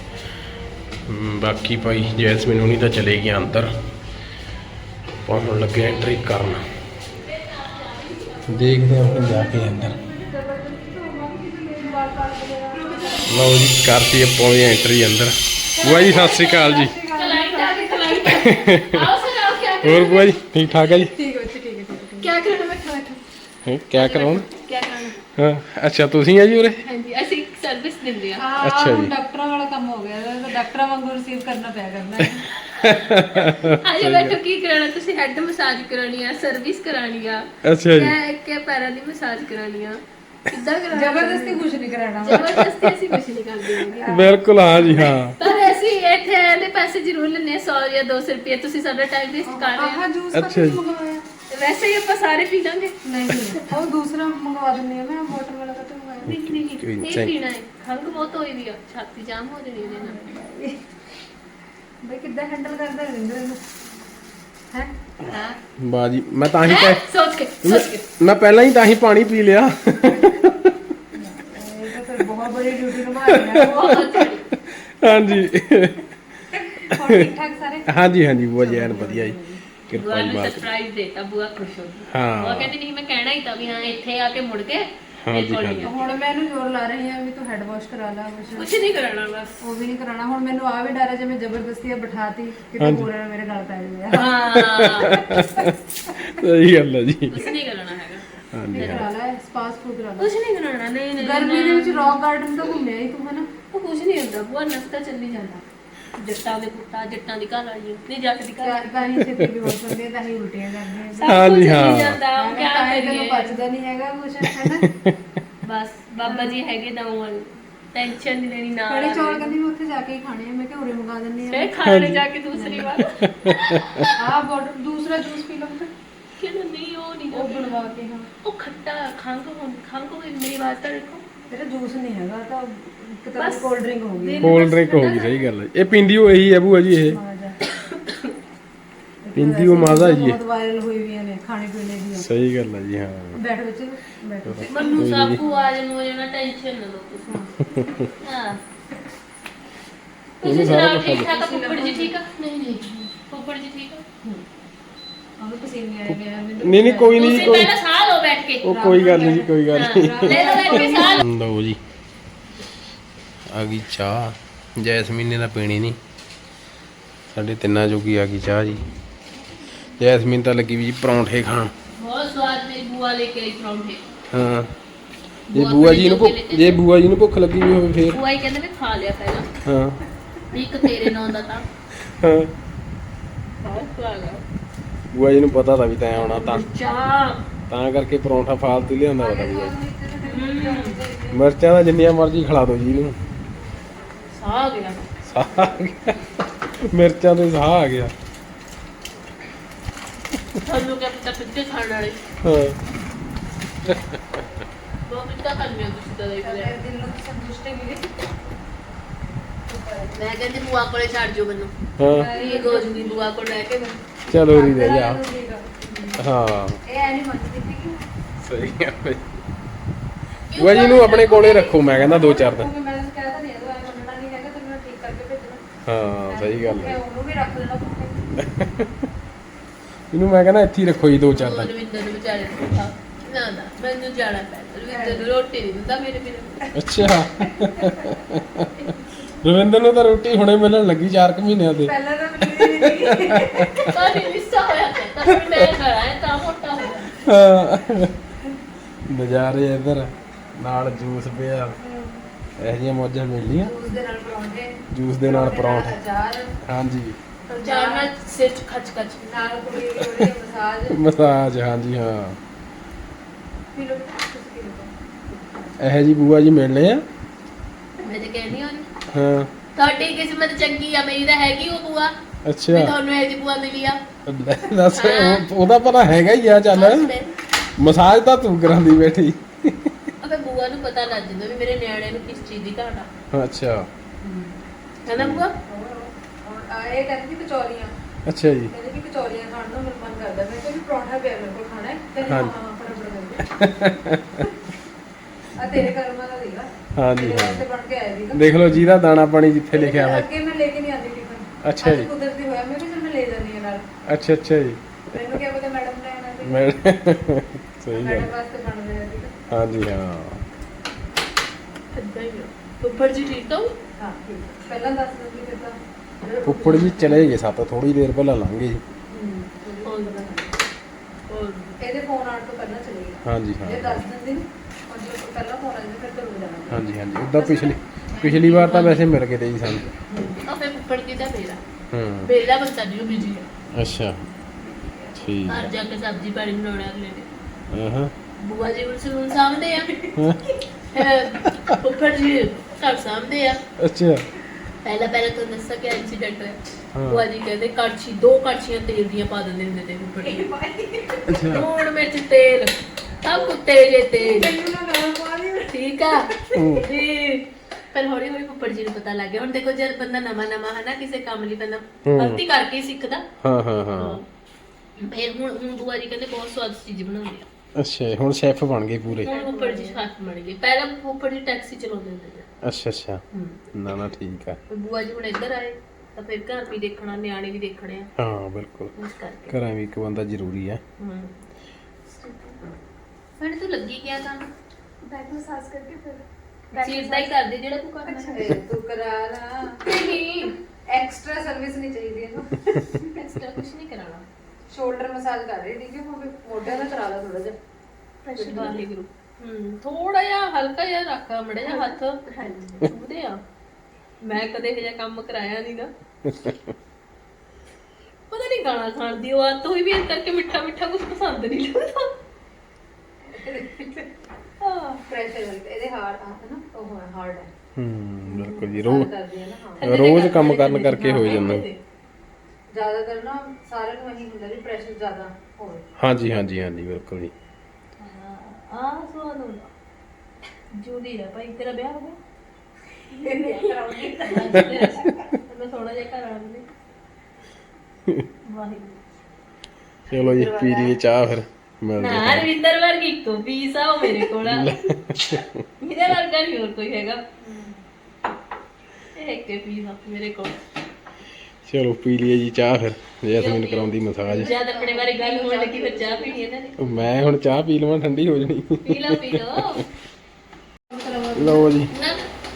Speaker 2: ਬਾਕੀ ਭਾਈ ਜੈਸਮੀਨ ਹੁਣੀ ਤਾਂ ਚਲੇ ਗਈ ਅੰਦਰ ਪਹੁੰਚਣ ਲੱਗੇ ਐਂਟਰੀ ਕਰਨ ਦੇਖਦੇ ਹਾਂ ਹੁਣ ਜਾ ਕੇ ਅੰਦਰ ਲਓ ਜੀ ਕਰਤੀ ਆਪਾਂ ਵੀ ਐਂਟਰੀ ਅੰਦਰ ਬੁਆ ਜੀ ਸਤਿ ਸ਼੍ਰੀ ਅਕਾਲ ਜੀ ਹੋਰ ਬੁਆ ਜੀ ਠੀਕ ਠਾਕ ਹੈ ਜੀ
Speaker 1: क्या करना बैठो
Speaker 2: क्या कराਉਣ
Speaker 1: क्या करना
Speaker 2: ਹਾਂ ਅੱਛਾ ਤੁਸੀਂ ਆ ਜੀ ਉਰੇ
Speaker 1: ਹਾਂਜੀ ਅਸੀਂ ਸਰਵਿਸ ਦਿੰਦੇ ਆ
Speaker 2: ਅੱਛਾ ਜੀ
Speaker 3: ਡਾਕਟਰਾਂ ਵਾਲਾ ਕੰਮ ਹੋ ਗਿਆ ਤਾਂ ਡਾਕਟਰਾਂ ਵਾਂਗੂ ਰਿਸੀਵ ਕਰਨਾ ਪਿਆ ਕਰਨਾ
Speaker 1: ਆਜੋ ਬੈਠੋ ਕੀ ਕਰਾਣਾ ਤੁਸੀਂ ਹੈਡ ਮਸਾਜ ਕਰਾਣੀ ਆ ਸਰਵਿਸ ਕਰਾਣੀ ਆ
Speaker 2: ਅੱਛਾ ਜੀ
Speaker 1: ਕਿ ਪੈਰਾਂ ਦੀ ਮਸਾਜ ਕਰਾਣੀ ਆ ਕਿੱਦਾਂ ਕਰਾਣਾ
Speaker 3: ਜ਼ਬਰਦਸਤੀ ਕੁਝ ਨਹੀਂ ਕਰਾਣਾ
Speaker 1: ਜ਼ਬਰਦਸਤੀ ਅਸੀਂ ਕੁਝ ਨਹੀਂ ਕਰਦੇ
Speaker 2: ਬਿਲਕੁਲ ਹਾਂ ਜੀ ਹਾਂ
Speaker 1: ਪਰ ਅਸੀਂ ਇੱਥੇ ਇਹਦੇ ਪੈਸੇ ਜ਼ਰੂਰ ਲੈਣੇ 100 ਜਾਂ 200 ਰੁਪਏ ਤੁਸੀਂ ਸਾਡਾ ਟਾਈਮ ਵੇਸਟ ਕਰ ਰਹੇ
Speaker 3: ਆਹ ਜੂਸ
Speaker 2: ਅੱਛਾ ਜੀ
Speaker 3: ਮੰਗਵਾਇਆ
Speaker 1: ਵੈਸੇ ਹੀ ਆਪਾਂ ਸਾਰੇ ਪੀ ਲਾਂਗੇ
Speaker 3: ਨਹੀਂ ਉਹ ਦੂਸਰਾ ਮੰਗਵਾ ਦਿੰਨੀ ਆ ਮੈਂ ਵਾਟਰ ਵਾਲਾ ਕਦੇ ਮੰਗਵਾਇਆ
Speaker 1: ਨਹੀਂ ਇਹ ਪੀਣਾ ਹੈ ਖੰਗ ਬਹੁਤ ਹੋਈ ਵੀ ਆ ਛਾਤੀ ਜਾਮ ਹੋ ਜਣੀ ਇਹਦੇ ਨਾਲ
Speaker 3: ਬਈ ਕਿੱਦਾਂ ਹੈਂਡਲ ਕਰਦਾ ਰਹਿੰਦਾ ਇਹਨੂੰ ਹੈ
Speaker 1: ਹਾਂ
Speaker 2: ਬਾਜੀ ਮੈਂ ਤਾਂ ਹੀ
Speaker 1: ਸੋਚ ਕੇ
Speaker 2: ਮੈਂ ਪਹਿਲਾਂ ਹੀ ਤਾਂ ਹੀ ਪਾਣੀ ਪੀ ਲਿਆ
Speaker 3: ਇਹ ਤਾਂ ਫਿਰ ਬਹੁਤ ਬੜੀ ਡਿਊਟੀ ਨਿਭਾ ਰਹੀ ਹੈ
Speaker 1: ਬਹੁਤ
Speaker 2: ਹਾਂਜੀ
Speaker 3: ਹੋਰ ਠੀਕ ਠਾਕ ਸਾਰੇ
Speaker 2: ਹਾਂਜੀ ਹਾਂਜੀ ਬੁਆ ਜੀ ਐਨ ਵਧੀਆ ਜੀ
Speaker 1: ਬੁਆ
Speaker 2: ਕਿਰਪਾ ਜੀ
Speaker 1: ਨੂੰ
Speaker 2: ਬਾਤ
Speaker 1: ਸਰਪ੍ਰਾਈਜ਼ ਦੇਤਾ ਬੁਆ ਖੁਸ਼ ਹੋ ਗਈ
Speaker 2: ਹਾਂ
Speaker 1: ਉਹ ਕਹਿੰਦੀ ਨਹੀਂ ਮੈਂ ਕਹਿਣਾ ਹੀ ਤਾਂ ਵੀ ਹਾਂ ਇੱਥੇ ਆ ਕੇ ਮੁੜ ਕੇ
Speaker 2: ਹਾਂਜੀ ਹਾਂਜੀ
Speaker 3: ਹੁਣ ਮੈਂ ਇਹਨੂੰ ਜ਼ੋਰ ਲਾ ਰਹੀ ਹਾਂ ਵੀ ਤੂੰ ਹੈਡ ਵਾਸ਼ ਕਰਾ ਲਾ
Speaker 1: ਕੁਝ ਨਹੀਂ ਕਰਨਾ ਬਸ
Speaker 3: ਉਹ ਵੀ ਨਹੀਂ ਕਰਾਣਾ ਹੁਣ ਮੈਨੂੰ ਆ ਵੀ ਡਰ ਹੈ ਜੇ ਮੈਂ ਜ਼ਬਰਦਸਤੀ ਬਿਠਾਤੀ ਕਿਤੇ ਹੋਰ ਮੇਰੇ ਗਲ ਪੈ ਜਾਵੇ
Speaker 1: ਹਾਂ
Speaker 2: ਸਹੀ ਗੱਲ ਹੈ ਜੀ
Speaker 1: ਕੁਝ ਨਹੀਂ ਕਰਨਾ ਹੈਗਾ
Speaker 2: ਹਾਂਜੀ
Speaker 3: ਕਰਾ ਲਾ ਸਪਾਸ ਫੂਡ ਕਰਾ ਲਾ
Speaker 1: ਕੁਝ ਨਹੀਂ ਕਰਨਾ ਨਹੀਂ
Speaker 3: ਗਰਮੀ ਦੇ ਵਿੱਚ ਰੌਕ ਗਾਰਡਨ ਤੋਂ ਘੁੰਮਿਆ ਹੀ ਤੂੰ ਹਨਾ
Speaker 1: ਉਹ ਕੁਝ ਨਹੀਂ ਹੁੰਦਾ ਬੁਆ ਨਸਤਾ ਚੱਲੀ ਜਾਂਦਾ ਜੱਟਾਂ ਦੇ ਪੁੱਤਾਂ ਜੱਟਾਂ ਦੀ ਘਰ ਵਾਲੀ ਨਹੀਂ ਜੱਟ ਦੀ ਘਰ
Speaker 3: ਤਾਂ ਹੀ ਛੇਤੀ ਬੇਹੋਸ਼ ਹੁੰਦੇ ਆ ਤਾਂ ਹੀ ਉਲਟੀਆਂ ਕਰਦੇ ਆ
Speaker 2: ਹਾਂਜੀ ਹਾਂ
Speaker 1: ਜਾਂਦਾ ਕਿਆ
Speaker 3: ਤੈਨੂੰ
Speaker 1: ਕਰੀਏ
Speaker 3: ਪਚਦਾ ਨਹੀਂ ਹੈਗਾ ਕੁਝ ਹੈਨਾ
Speaker 1: ਬਸ ਬਾਬਾ ਜੀ ਹੈਗੇ ਦਾਉ ਵਾਲੇ ਟੈਨਸ਼ਨ ਨਹੀਂ ਲੈਣੀ ਨਾ
Speaker 3: ਕੜੀ ਚੌਲ ਕਹਿੰਦੀ ਮੈਂ ਉੱਥੇ ਜਾ ਕੇ ਹੀ ਖਾਣੇ ਆ ਮੈਂ ਕਿਹਾ ਉਰੇ ਮੰਗਾ ਦਿੰਨੀ ਆ
Speaker 1: ਫੇਰ ਖਾਣੇ ਜਾ ਕੇ ਦੂਸਰੀ ਵਾਰ
Speaker 3: ਆਹ ਬੋਟਲ ਦੂਸਰਾ ਜੂਸ ਪੀ ਲਓ ਫਿਰ
Speaker 1: ਕਿਹੜਾ ਨਹੀਂ ਉਹ ਨਹੀਂ
Speaker 3: ਉਹ ਬਣਵਾ ਕੇ ਹਾਂ
Speaker 1: ਉਹ ਖੱਟਾ ਖੰਗ ਹੋਈ ਮੇਰੀ ਆਵਾਜ਼ ਤਾਂ ਦੇਖੋ
Speaker 3: ਤੇਰਾ ਜੂਸ ਨਹੀਂ ਹੈਗਾ ਤਾਂ ਇੱਕ ਤਰ੍ਹਾਂ ਦੀ ਕੋਲਡ ਡਰਿੰਕ ਹੋ ਗਈ
Speaker 2: ਕੋਲਡ ਡਰਿੰਕ ਹੋ ਗਈ ਸਹੀ ਗੱਲ ਹੈ ਇਹ ਪੀਂਦੀ ਉਹ ਇਹੀ ਹੈ ਬੂਆ ਜੀ ਇਹ
Speaker 3: ਆ ਜਾ
Speaker 2: ਪਿੰਦੀ ਉਹ ਮਾਦਾ ਜੀ
Speaker 3: ਬਹੁਤ ਵਾਇਰਲ ਹੋਈ ਵੀਆਂ ਨੇ ਖਾਣੇ ਪੀਣੇ ਦੀਆਂ।
Speaker 2: ਸਹੀ ਗੱਲ ਹੈ ਜੀ। ਹਾਂ
Speaker 3: ਬੈਠ ਵਿੱਚ ਬੈਠੋ।
Speaker 1: ਮੈਨੂੰ ਸਾਪੂ ਆ ਜਾਣੂ ਜਣਾ ਟੈਨਸ਼ਨ ਨਾ ਲਓ ਤੁਸੀਂ। ਹਾਂ ਤੁਸੀਂ ਸੁਣਾਓ ਠੀਕ ਠਾਕ ਆ? ਫੁੱਫੜ ਜੀ ਠੀਕ ਆ? ਨਹੀਂ ਫੁੱਫੜ ਜੀ ਠੀਕ ਆ?
Speaker 3: ਉਹਨੂੰ ਪਸੀਨੇ ਆਏ ਗਏ ਆ ਮੈਨੂੰ।
Speaker 2: ਨਹੀਂ ਕੋਈ ਨਹੀਂ
Speaker 1: ਤੁਸੀਂ ਪਹਿਲਾਂ ਸਾਹ ਲਓ ਬੈਠ ਕੇ।
Speaker 2: ਉਹ ਕੋਈ ਗੱਲ ਨਹੀਂ ਜੀ, ਕੋਈ ਗੱਲ ਨਹੀਂ।
Speaker 1: ਲੈ ਲਓ ਬੈਠ ਕੇ ਸਾਹ ਲਓ।
Speaker 2: ਲਓ ਜੀ ਆ ਗਈ ਚਾਹ। ਜੈਸਮੀਨ ਨੇ ਤਾਂ ਪੀਣੀ ਨਹੀਂ, ਸਾਡੇ ਤਿੰਨਾਂ ਜੋਗੀ ਆ ਗਈ ਚਾਹ ਜੀ। ਜੈਸਮੀਨ ਤਾਂ ਲੱਗੀ ਵੀ ਜੀ ਪਰੌਂਠੇ ਖਾਣ।
Speaker 1: ਬਹੁਤ ਸਵਾਦ ਮੇਰੀ ਬੂਆ ਲੈ ਕੇ ਆਈ ਪਰੌਂਠੇ।
Speaker 2: ਹਾਂ ਜੇ ਬੂਆ ਜੀ ਨੂੰ ਭੁੱਖ ਲੱਗੀ ਵੀ ਹੋਵੇ ਫੇਰ।
Speaker 1: ਬੂਆ ਹੀ ਕਹਿੰਦੇ ਵੀ ਖਾ ਲਿਆ ਪਹਿਲਾਂ।
Speaker 2: ਹਾਂ
Speaker 1: ਇੱਕ ਤੇਰੇ ਨਾਂ ਦਾ ਤਾਂ
Speaker 2: ਹਾਂ
Speaker 1: ਬਹੁਤ ਸਵਾਦ ਆ।
Speaker 2: ਬੂਆ ਜੀ ਨੂੰ ਪਤਾ ਤਾਂ ਵੀ ਤੈਂ ਆਉਣਾ
Speaker 1: ਚਾਹ
Speaker 2: ਤਾਂ ਕਰਕੇ ਪਰੌਂਠਾ ਫਾਲਤੂ ਲਿਆਉਂਦਾ ਪਤਾ ਬੂਆ ਜੀ। ਮਿਰਚਾਂ ਦਾ ਜਿੰਨੀਆਂ ਮਰਜ਼ੀ ਖਿਲਾ ਦਿਓ ਜੀ ਇਹਨੂੰ।
Speaker 1: ਸਾਹ ਆ ਗਿਆ।
Speaker 2: ਸਾਹ ਆ ਗਿਆ, ਮਿਰਚਾਂ ਤੋਂ ਸਾਹ ਆ ਗਿਆ।
Speaker 1: ਤੁਹਾਨੂੰ ਕਿਆ ਪਤਾ ਕਿੱਥੇ ਖਾਣ ਵਾਲੇ।
Speaker 2: ਹਾਂ
Speaker 1: ਬਹੁਤ ਮਿੱਠਾ ਖਾਂਦੇ ਹੋ ਤੁਸੀਂ ਤਾਂ ਦੇਖ ਲਿਆ।
Speaker 3: ਦਿਲ ਨੂੰ ਸੰਤੁਸ਼ਟੀ ਮਿਲੀ।
Speaker 1: ਮੈਂ ਕਹਿੰਦੀ ਬੂਆ ਕੋਲੇ ਛੱਡ ਜੋ ਮੈਨੂੰ।
Speaker 2: ਹਾਂ
Speaker 1: ਇਹ ਗੋਜੂਗੀ ਬੂਆ ਕੋਲ ਲੈ ਕੇ ਮੈਂ।
Speaker 2: ਚਲੋ ਰੀ ਰਹਿ ਜਾ। ਹਾਂ
Speaker 3: ਇਹ ਐ ਨਹੀਂ ਮੰਨਦੀ ਕਿ
Speaker 2: ਸਹੀ ਗੱਲ ਹੈ। ਬੂਆ ਜੀ ਨੂੰ ਆਪਣੇ ਕੋਲੇ ਰੱਖੋ, ਮੈਂ ਕਹਿੰਦਾ 2-4 ਦਿਨ।
Speaker 3: ਮੈਂ ਕਹਿ ਤਾਂ ਨਹੀਂ ਦੋ ਐ ਮੰਨਣਾ ਨਹੀਂ ਹੈਗਾ, ਤੈਨੂੰ ਮੈਂ ਠੀਕ ਕਰਕੇ ਭੇਜਣਾ।
Speaker 2: ਹਾਂ ਸਹੀ ਗੱਲ ਹੈ।
Speaker 3: ਉਹਨੂੰ ਵੀ ਰੱਖ ਦੇਣਾ ਪੁੱਠੇ।
Speaker 2: ਇਹਨੂੰ ਮੈਂ ਕਹਿੰਦਾ ਇੱਥੇ ਹੀ ਰੱਖੋ ਜੀ 2-4 ਦਿਨ।
Speaker 1: ਰਵਿੰਦਰ ਨੂੰ ਵਿਚਾਰੇ ਨੂੰ ਖਾ ਨਾ ਮੈਨੂੰ ਜਾਣਾ ਪੈਂਦਾ। ਰਵਿੰਦਰ ਨੂੰ ਰੋਟੀ ਨਹੀਂ ਦਿੰਦਾ ਮੇਰੇ ਬਿਨਾਂ।
Speaker 2: ਅੱਛਾ ਰਵਿੰਦਰ ਨੂੰ ਤਾਂ ਰੋਟੀ ਹੁਣੇ ਮਿਲਣ ਲੱਗੀ 4 ਮਹੀਨਿਆਂ ਦੇ।
Speaker 3: ਪਹਿਲਾਂ ਤਾਂ ਮੈਨੂੰ ਨਹੀਂ
Speaker 1: ਤਾਂ ਲਿਸਾ ਹੋਇਆ ਤਾਂ ਫਿਰ ਮੈਂ ਕਰਾਂ ਤਾਂ ਮੋਟਾ ਹੋਇਆ।
Speaker 2: ਹਾਂ ਨਜ਼ਾਰੇ ਇੱਧਰ ਨਾਲ ਜੂਸ ਪਿਆ, ਇਹੋ ਜਿਹੀਆਂ ਮੌਜਾਂ ਮਿਲਦੀਆਂ।
Speaker 3: ਜੂਸ ਦੇ ਨਾਲ ਪਰੌਂਠੇ,
Speaker 2: ਜੂਸ ਦੇ ਨਾਲ ਪਰੌਂਠੇ।
Speaker 3: ਅਚਾਰ
Speaker 2: ਹਾਂਜੀ
Speaker 1: ਚਾਰ ਨਾਲ ਸਿਰ ਚ ਖਚ ਖਚ
Speaker 3: ਨਾਲ ਕੁੜੀ ਉਹਦੇ ਮਸਾਜ।
Speaker 2: ਮਸਾਜ। ਹਾਂਜੀ ਹਾਂ
Speaker 3: ਪੀ ਲਓ ਤੁਸੀਂ ਪੀ ਲਓ।
Speaker 2: ਇਹੋ ਜੀ ਬੂਆ ਜੀ ਮਿਲਣੇ ਆ।
Speaker 1: ਮੈਂ ਤੇ ਕਹਿੰਦੀ ਹਾਂ
Speaker 2: ਹਾਂ
Speaker 1: ਤੁਹਾਡੀ ਕਿਸਮਤ ਚੰਗੀ ਆ, ਮੇਰੀ ਤਾਂ ਹੈਗੀ ਉਹ ਬੂਆ ਵੀ
Speaker 2: ਅੱਛਾ
Speaker 1: ਤੁਹਾਨੂੰ ਇਹ ਜੀ ਬੂਆ ਮਿਲੀ ਆ।
Speaker 2: ਲੈ ਦੱਸ ਉਹਦਾ ਪਤਾ ਹੈਗਾ ਹੀ ਆ। ਚੱਲ ਮਸਾਜ ਤਾਂ ਤੂੰ ਕਰਾਂਦੀ ਬੈਠੀ।
Speaker 1: ਅਬੇ ਬੂਆ ਨੂੰ ਪਤਾ ਲੱਗ ਜਾਂਦਾ ਵੀ ਮੇਰੇ ਨਿਆਣੇ ਨੂੰ ਕਿਸ ਚੀਜ਼ ਦੀ ਘਾਟ ਆ।
Speaker 2: ਅੱਛਾ
Speaker 1: ਹੈ ਨਾ ਬੂਆ?
Speaker 3: ਹੁਣ ਇਹ ਕਹਿੰਦੀ ਕਚੌਰੀਆਂ।
Speaker 2: ਅੱਛਾ ਜੀ।
Speaker 3: ਕਹਿੰਦੀ ਵੀ ਕਚੌਰੀਆਂ ਖਾਣ ਨੂੰ ਮੇਰਾ ਮਨ ਕਰਦਾ। ਮੈਂ ਕਿਹਾ ਵੀ ਪਰੌਂਠਾ ਪਿਆ ਮੇਰੇ ਕੋਲ ਖਾਣਾ ਹੈ। ਕਹਿੰਦੀ
Speaker 2: ਹਾਂ।
Speaker 3: ਹਾਂ ਫਟਾਫਟ ਕਰ ਆ ਤੇਰੇ ਕਰਮਾਂ ਦਾ ਸੀਗਾ।
Speaker 2: ਹਾਂਜੀ
Speaker 3: ਤੇਰੇ
Speaker 2: ਹਾਂ
Speaker 3: ਵਾਸਤੇ ਬਣ ਕੇ ਆਇਆ ਸੀਗਾ।
Speaker 2: ਦੇਖ ਲਓ ਜਿਹਦਾ ਦਾਣਾ ਪਾਣੀ ਜਿੱਥੇ ਲਿਖਿਆ ਵਾ।
Speaker 3: ਅੱਗੇ ਮੈਂ ਲੈ ਕੇ ਨਹੀਂ ਆਉਂਦੀ ਟਿਫਨ।
Speaker 2: ਅੱਛਾ ਜੀ।
Speaker 3: ਕੁਦਰਤੀ ਹੋਇਆ ਮੈਂ ਵੀ ਚਲ ਮੈਂ ਲੈ ਜਾਂਦੀ ਹਾਂ ਨਾਲ।
Speaker 2: ਅੱਛਾ ਅੱਛਾ ਜੀ।
Speaker 3: ਮੈਨੂੰ ਕਿਹਾ ਪਤਾ ਮੈਡਮ ਨੇ ਆਣਾ ਸੀ।
Speaker 2: ਮੈਂ ਸਹੀ ਗੱਲ।
Speaker 3: ਮੈਡਮ ਵਾਸਤੇ ਬਣ ਰਿਹਾ ਸੀਗਾ।
Speaker 2: ਹਾਂਜੀ ਹਾਂ
Speaker 1: ਏਦਾਂ ਹੀ ਆ। ਫੁੱਫੜ ਜੀ ਠੀਕ ਹੋ?
Speaker 3: ਹਾਂ ਠੀਕ ਹੈ। ਪਹਿਲਾਂ ਦੱਸ ਦਿੰਦੀ ਫਿਰ ਤਾਂ।
Speaker 2: ਫੁੱਫੜ ਜੀ ਚਲੇ ਗਏ ਸਾਤੋਂ ਥੋੜੀ ਦੇਰ ਪਹਿਲਾਂ ਲੰਘੇ ਜੀ।
Speaker 1: ਹੋਰ
Speaker 3: ਇਹਦੇ ਫੋਨ ਆਉਣ ਤੋਂ ਪਹਿਲਾਂ ਚਲੇ ਗਏ।
Speaker 2: ਹਾਂਜੀ ਹਾਂ
Speaker 3: ਇਹ ਦੱਸ ਦਿੰਦੀ ਨੀ, ਔਰ ਜਦੋਂ ਤੋਂ ਪਹਿਲਾਂ ਫੋਨ ਆ ਜਾਂਦਾ ਫਿਰ ਘਰੋਂ ਜਾਣਾ।
Speaker 2: ਹਾਂਜੀ ਹਾਂਜੀ ਉਦਾਂ ਪਿਛਲੀ ਵਾਰ ਤਾਂ ਵੈਸੇ ਮਿਲ ਗਏ ਤੇ ਜੀ ਸਾਨੂੰ।
Speaker 1: ਉਹ ਫੇ ਫੁੱਫੜ ਜੀ ਦਾ ਮੇਰਾ
Speaker 2: ਹੂੰ
Speaker 1: ਮੇਰਾ ਬੰਦਾ ਜੀ ਉਹ ਬਿਜੀ ਆ।
Speaker 2: ਅੱਛਾ ਠੀਕ
Speaker 1: ਘਰ
Speaker 2: ਹੈ।
Speaker 1: ਜਾ ਕੇ ਸਬਜ਼ੀ ਪਾਣੀ ਬਣਾਉਣਾ ਅਗਲੇ ਨੇ।
Speaker 2: ਹਾਂ
Speaker 1: ਬੂਆ ਜੀ ਹੁਣ ਸਲੂਨ ਸਾਹਮਣੇ ਆ। ਫੁੱਫੜ ਜੀ ਘਰ ਸਾਹਮਣੇ ਆ।
Speaker 2: ਅੱਛਾ
Speaker 1: ਪਹਿਲਾਂ ਤੁਹਾਨੂੰ ਦੱਸਿਆ ਕਿ ਇੰਸੀਡੈਂਟ ਹੋਇਆ।
Speaker 2: ਹਾਂ।
Speaker 1: ਬੂਆ ਜੀ ਕਹਿੰਦੇ ਕੜਛੀ 2 ਕੜਛੀਆਂ ਤੇਲ ਦੀਆਂ ਪਾ ਦਿੰਦੇ ਹੁੰਦੇ ਤੇ ਫੁੱਫੜ ਜੀ।
Speaker 2: ਅੱਛਾ
Speaker 1: ਲੂਣ ਮਿਰਚ ਤੇਲ ਸਭ ਕੁੱਤੇ ਜੇ ਤੇਲ
Speaker 3: ਤੈਨੂੰ ਨਾ ਗਾਲਾਂ ਪਾ ਦੀ।
Speaker 1: ਠੀਕ ਆ ਜੀ। ਫਿਰ ਹੌਲੀ ਹੌਲੀ ਫੁੱਫੜ ਜੀ ਨੂੰ ਪਤਾ ਲੱਗ ਗਿਆ। ਹੁਣ ਦੇਖੋ ਜਦ ਬੰਦਾ ਨਵਾਂ ਨਵਾਂ ਹੈ ਨਾ ਕਿਸੇ ਕੰਮ ਲਈ ਬੰਦਾ ਗਲਤੀ ਕਰਕੇ ਹੀ ਸਿੱਖਦਾ।
Speaker 2: ਹਾਂ ਹਾਂ ਹਾਂ
Speaker 1: ਫਿਰ ਹੁਣ ਬੂਆ ਜੀ ਕਹਿੰਦੇ ਬਹੁਤ ਸਵਾਦ ਚੀਜ਼ ਬਣਾਉਂਦੇ ਆ।
Speaker 2: ਅੱਛਾ ਹੁਣ ਸ਼ੈਫ ਬਣ ਗਏ ਪੂਰੇ।
Speaker 1: ਹੁਣ ਫੁੱਫੜ ਜੀ ਸ਼ੈਫ ਬਣ ਗਏ। ਪਹਿਲਾਂ ਫੁੱਫੜ ਜੀ ਟੈਕਸੀ ਚਲਾਉਂਦੇ ਹੁੰਦੇ ਸੀ।
Speaker 2: ਅੱਛਾ ਅੱਛਾ ਨਾ ਨਾ ਠੀਕ ਆ।
Speaker 1: ਬੂਆ ਜੀ ਹੁਣ ਇੱਧਰ ਆਏ ਤਾਂ ਫਿਰ ਘਰ ਵੀ ਦੇਖਣਾ, ਨਿਆਣੇ ਵੀ ਦੇਖਣੇ ਆ
Speaker 2: ਹਾਂ ਬਿਲਕੁਲ
Speaker 1: ਇਸ ਕਰਕੇ।
Speaker 2: ਘਰਾਂ ਵੀ ਇੱਕ ਬੰਦਾ ਜ਼ਰੂਰੀ ਹੈ।
Speaker 1: ਮੈਨੂੰ ਤੂੰ ਲੱਗੀ ਗਿਆ ਕੰਮ
Speaker 3: ਬੈਕ ਮਸਾਜ ਕਰਕੇ ਫਿਰ
Speaker 1: ਚੀਜ਼ ਦਾ ਹੀ ਕਰਦੇ ਜਿਹੜਾ ਤੂੰ ਕਰਨਾ।
Speaker 3: ਤੂੰ ਕਰਾ ਨਾ।
Speaker 1: ਨਹੀਂ
Speaker 3: ਐਕਸਟਰਾ ਸਰਵਿਸ ਨਹੀਂ ਚਾਹੀਦੀ ਇਹਨੂੰ।
Speaker 1: ਐਕਸਟਰਾ ਕੁਝ ਨਹੀਂ ਕਰਾਉਣਾ।
Speaker 3: ਸ਼ੋਲਡਰ ਮਸਾਜ ਕਰ ਰਹੀ ਸੀ ਕਿ ਉਹ ਵੀ ਮੋਢਿਆਂ ਦਾ ਕਰਾ ਲਾ ਥੋੜਾ ਜਿਹਾ।
Speaker 1: ਪ੍ਰੈਸ਼ਰ ਵਾਹਿਗੁਰੂ। ਥੋੜਾ ਜਿਹਾ ਹਲਕਾ ਜਿਹਾ ਰੱਖ ਮੜੇ ਜਿਹਾ ਹੱਥ ਛੂਹਦੇ ਆ। ਮੈਂ ਕਦੇ ਇਹ ਜਿਹਾ ਕੰਮ ਕਰਾਇਆ ਨਹੀਂ ਨਾ। ਪਤਾ ਨਹੀਂ ਗਾਣਾ ਖਾਣ ਦੀ ਉਹ ਆਦਤ ਹੋਈ ਵੀ ਇਸ ਕਰਕੇ ਮਿੱਠਾ ਮਿੱਠਾ ਕੁਝ ਪਸੰਦ ਨਹੀਂ ਲੱਗਦਾ।
Speaker 3: ਪ੍ਰੈਸ਼ਰ ਵਾਲੀ ਇਹਦੇ ਹਾਰਡ ਆ ਨਾ ਉਹ ਹਾਰਡ ਹੈ।
Speaker 2: ਬਿਲਕੁਲ ਜੀ
Speaker 3: ਕਰਦੀ ਹੈ ਨਾ। ਹਾਂ
Speaker 2: ਰੋਜ਼ ਕੰਮ ਕਰਨ ਕਰਕੇ ਹੋ ਜਾਂਦਾ।
Speaker 3: ਜ਼ਿਆਦਾਤਰ ਨਾ ਸਾਰਿਆਂ ਨੂੰ ਇਹੀ ਹੁੰਦਾ ਵੀ ਪ੍ਰੈਸ਼ਰ ਜ਼ਿਆਦਾ ਹੋਵੇ।
Speaker 2: ਹਾਂਜੀ ਹਾਂਜੀ ਹਾਂਜੀ ਬਿਲਕੁਲ ਜੀ।
Speaker 1: ਸਵਾਦ ਹੁੰਦਾ। ਜੂਦੀ ਹੈ ਭਾਈ ਤੇਰਾ ਵਿਆਹ ਹੋ ਗਿਆ? ਮੈਂ ਥੋੜਾ ਜਿਹਾ ਘਰ ਆਉਂਦੀ ਵਾਹਿਗੁਰੂ
Speaker 2: ਚਲੋ ਜੀ ਪੀ ਲਈਏ ਚਾਹ ਫਿਰ ਮਿਲਦੇ
Speaker 1: ਨਾ ਰਵਿੰਦਰ ਵਰਗੀ ਇੱਕੋ ਪੀਸ ਆ ਉਹ ਮੇਰੇ ਕੋਲ ਆ ਮੇਰੇ ਵਰਗਾ ਨਹੀਂ ਹੋਰ ਕੋਈ ਹੈਗਾ ਇਹ ਇੱਕ ਪੀਸ ਆ ਮੇਰੇ ਕੋਲ
Speaker 2: ਚਲੋ ਪੀ ਲਈਏ ਜੀ ਚਾਹ ਫਿਰ ਜੈਸਮੀਨ ਕਰਾਉਂਦੀ ਮਸਾਜ
Speaker 1: ਜਦ ਆਪਣੇ ਬਾਰੇ ਗੱਲ ਹੋਣ ਲੱਗੀ ਫਿਰ ਚਾਹ ਪੀਣੀ ਇਹਨਾਂ ਨੇ
Speaker 2: ਮੈਂ ਹੁਣ ਚਾਹ ਪੀ ਲਵਾਂ ਠੰਡੀ ਹੋ ਜਾਣੀ
Speaker 1: ਪੀ ਲਓ
Speaker 2: ਲਓ ਜੀ
Speaker 1: ਨਾ